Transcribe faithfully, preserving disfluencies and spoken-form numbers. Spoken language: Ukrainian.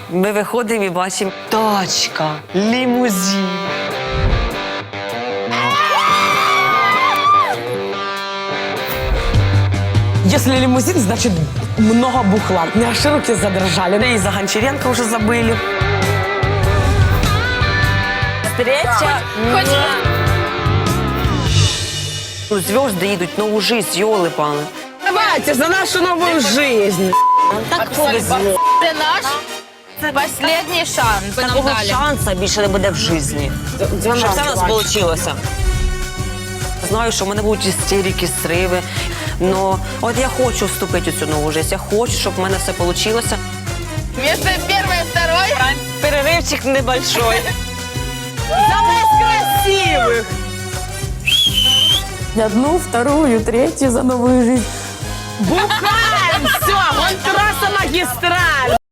Ми виходимо і бачимо тачка, лімузин. Если лимузин, значит много бухла. У меня аж руки задрожали. І за Гончаренко вже забили. Встреча. Хоч... Ну, зв'язки їдуть, нову життя, йоли-пали. Давайте за нашу новую жизнь. Так повезло. Це наш останній шанс. Нам Такого дали. шансу більше не буде в житті. Щоб все в нас вийшло. Знаю, що в мене будуть істерики, сриви. Но от я хочу вступити у цю нову життя. Я хочу, щоб в мене все вийшло. Вместо первой и второй. Переривчик небольшой. За нас красивых! Одну, вторую, третью за новую жизнь. Бухаем! Все, вон трасса магистраль!